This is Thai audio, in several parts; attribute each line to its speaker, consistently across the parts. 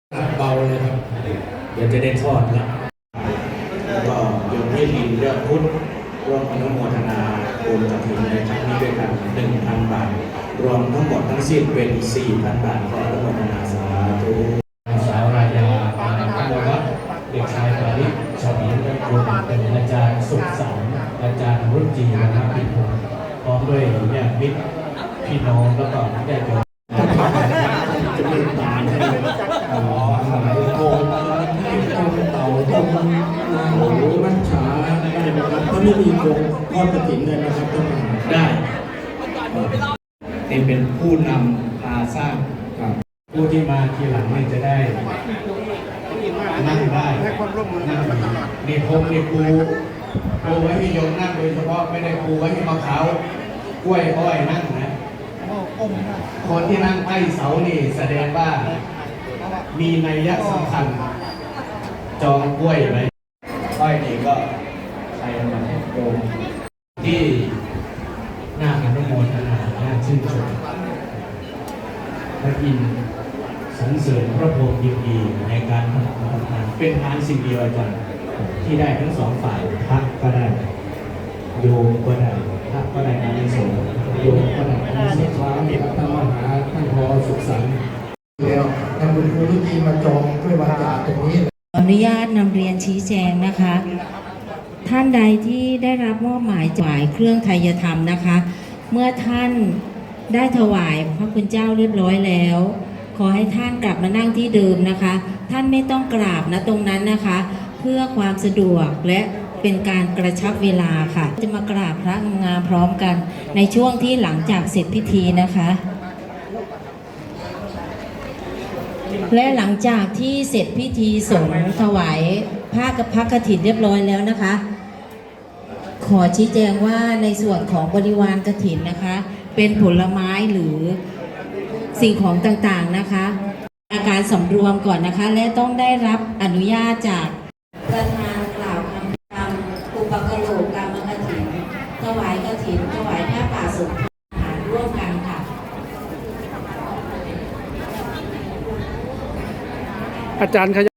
Speaker 1: เบาเลยครับเดี๋ยวจะได้ทอดแล้วก็โยมพี่ลินยอดพุทธร่วมอนุโมทนาบุญกฐินในครั้งนี้ด้วยกัน 1,000 บาทรวมทั้งหมดทั้งสิ้นเป็น 4,000 บาทขออนุโมทนาสาธุสาวรายาขโมวัฒน์เด็กชายปาริศชาวบ้านและครูเป็นอาจารย์สุขสันต์อาจารย์รุ่นจีนะครับพี่พงศ์พร้อมด้วยญาติมิตรพี่น้องแล้วก็ญาติโยมจะมีตาใช่ไหมอ๋อโกงเต่าต้มโอ้โหมัจฉาได้นะครับถ้าไม่มีโกงทอดกฐินเลยนะครับต้องได้นี่เป็นผู้นำพาสร้างครับผู้ที่มาทีหลังนี่จะได้นั่งได้นี่ผมนี่ปูไว้ให้โยมนั่งโดยเฉพาะไม่ได้ปูไว้ให้มะพร้าวกล้วยอ้อยนั่งนะคนที่นั่งใต้เสานี่แสดงว่ามีนัยยะสำคัญจองกล้วยไว้อ้อยนี่ก็ใครมาโยมที่น่าอนุโมทนาน่าชื่นชมพระอินทร์สรรเสริญพระพรหมยินดีในการทำงานเป็นทานสิ่งเดียวอาจารย์ที่ได้ทั้งสองฝ่ายพระก็ได้โยมก็ได้พระก็ได้อานิสงส์โยมก็ได้อานิสงส์ความมีพระธรรมหาท่านพอสุขสันต์แล้วทางบุญครูทุกทีมาจองด้วยวาจาตรงนี้
Speaker 2: ขออนุญาตนำเรียนชี้แจงนะคะ ท่านใดที่ได้รับมอบหมายถวายเครื่องไทยธรรมนะคะ เมื่อท่านได้ถวายพระคุณเจ้าเรียบร้อยแล้ว ขอให้ท่านกลับมานั่งที่เดิมนะคะ ท่านไม่ต้องกราบนะตรงนั้นนะคะ เพื่อความสะดวกและเป็นการกระชับเวลาค่ะจะมากราบพระงามพร้อมกันในช่วงที่หลังจากเสร็จพิธีนะคะและหลังจากที่เสร็จพิธีสงฆ์ถวายผ้ากับพระกฐินเรียบร้อยแล้วนะคะขอชี้แจงว่าในส่วนของบริวารกฐินนะคะเป็นผลไม้หรือสิ่งของต่างๆนะคะอาการสำรวมก่อนนะคะและต้องได้รับอนุญาตจากประธานกล่าวคำกรรมอุปกโลกกรรมกฐินถวายกฐินถวายผ้าป่าสงฆ์อาหารร่วมกันค่ะ
Speaker 3: อาจารย์ขยับ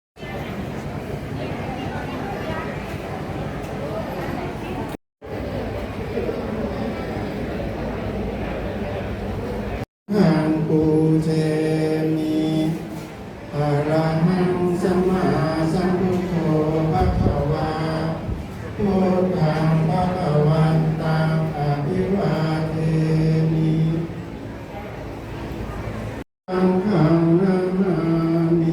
Speaker 1: หังปูเชมิอะระหังสัมมาสัมพุทโธภะคะวาพุทธังภะคะวันตังอะภิวาเทมิสังฆังนะมามิ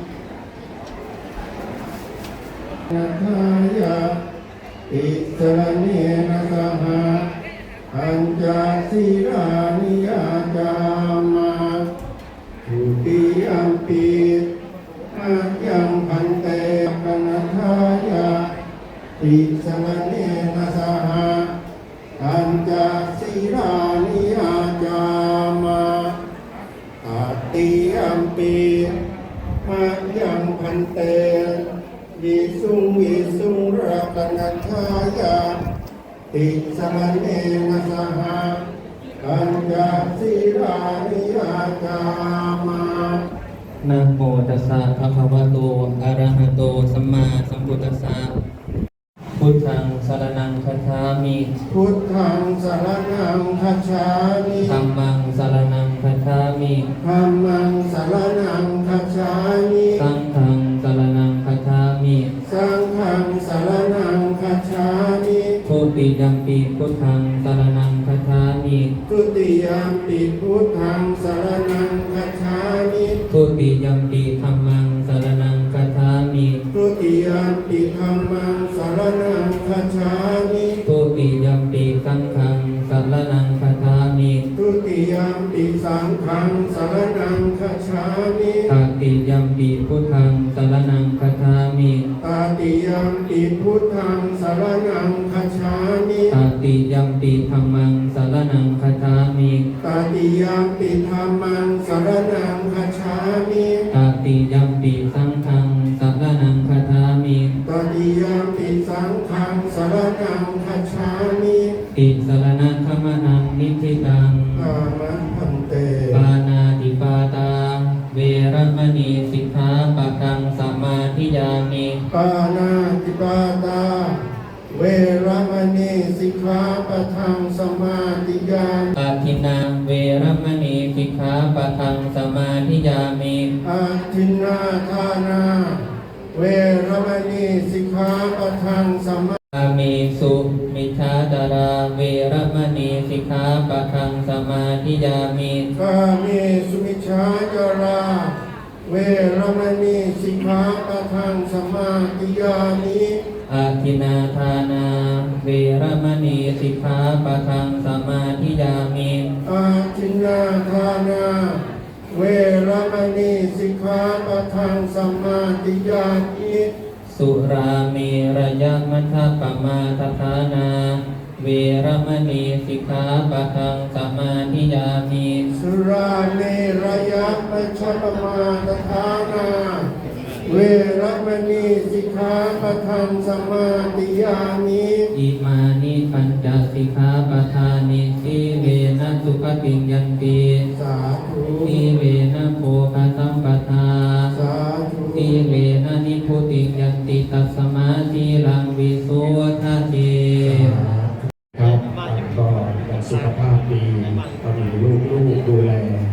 Speaker 1: นะทายะอิสรเนนะสหะอัญจสิรานิยาจามาทุติยัมปิอายังพันเตปนัทายะอิสรเนนะสหะอัญจสิรานิยาจามาตติยัมปิอายังพันเตวิสุงรัตนัทายะติสรณเนนะสหะอัญจสิรานิยาจามา
Speaker 4: นะโมตัสสะภะคะวะโตอะระหะโตสัมมาสัมพุทธัสสะพุทธังสรณังคัจฉามิ
Speaker 1: พุทธังสรณังคัจฉามิ
Speaker 4: ธัมมังสรณังคัจฉามิ
Speaker 1: ธัมมังสรณังคัจฉามิ
Speaker 4: สังฆังสรณังคัจฉามิ
Speaker 1: สังฆังสรณังคัจฉามิ
Speaker 4: ทุติยัมปิพุทธังสรณังคัจฉามิ
Speaker 1: ทุติยัมปิพุทธังสรณังคัจฉามิ
Speaker 4: ทุติยัมปิธัมมังสรณังคัจฉามิ
Speaker 1: ทุติยัมปิธัมมังสรณังคัจฉามิ
Speaker 4: ทุติยัมปิสังฆังสรณังคัจฉามิ
Speaker 1: ทุติยัมปิสังฆังสรณังคัจฉามิ
Speaker 4: ตติยัมปิพุทธังสรณังคัจฉามิ
Speaker 1: ตติยัมปิพุทธังสรณังคัจฉามิ
Speaker 4: ตติยัมปิธัมมังสรณังคัจฉามิ
Speaker 1: ตติยัมปิธัมมังสรณังคัจฉามิ
Speaker 4: ตติยัมปิสังฆังสรณังคัจฉามิ
Speaker 1: ตติยัมปิสังฆังสรณังคัจฉามิ
Speaker 4: ติสรณังคัมมนังนิธิตัง
Speaker 1: อามันพันเต
Speaker 4: ปานาติปาตาเวรมณีสิกขาปะทังสมาธิยามิ
Speaker 5: ปานาติปาตา เวรมณีสิกขาปะทังสมาธิยามิ
Speaker 4: อาทินาเวรมณีสิกขาปะทังสมาธิยามิ
Speaker 5: อาทินนาทานา เวรมณีสิกขาปะทังสมา
Speaker 4: อามิสุมิชาดาราเวรมณีสิกขาปะทังสมาธิยามิ
Speaker 5: กาเมสุมิชฌาจารา เวรมณีสิกขาปะทังสมาธิยามิ
Speaker 4: อาทินาทานาเวรมณีสิกขาปะทังสมาธิยามิ
Speaker 5: อาทินนาทานา เวรมณีสิกขาปะทังสมาธิยามิ
Speaker 4: สุราเมระยะมัทธปมาทฐานาเวรมณีสิกขาปะทังสมาธิยามิ
Speaker 5: สุราเมรยะมัชฌปมาทฐานา เวรมณีสิกขาปะทังสมาธิยามิ
Speaker 4: อิมานิปัญจสิกขาปทานิสีเวนะสุขติยันติ
Speaker 5: สาธุ
Speaker 4: สีเวนะโภคสัมปทา
Speaker 5: สาธุ
Speaker 4: สีเวนะนิพุติยันติตัสสมาธิลังวิโสทะเท
Speaker 1: ครับก็สุขภาพดีก็มีลูกๆดูแล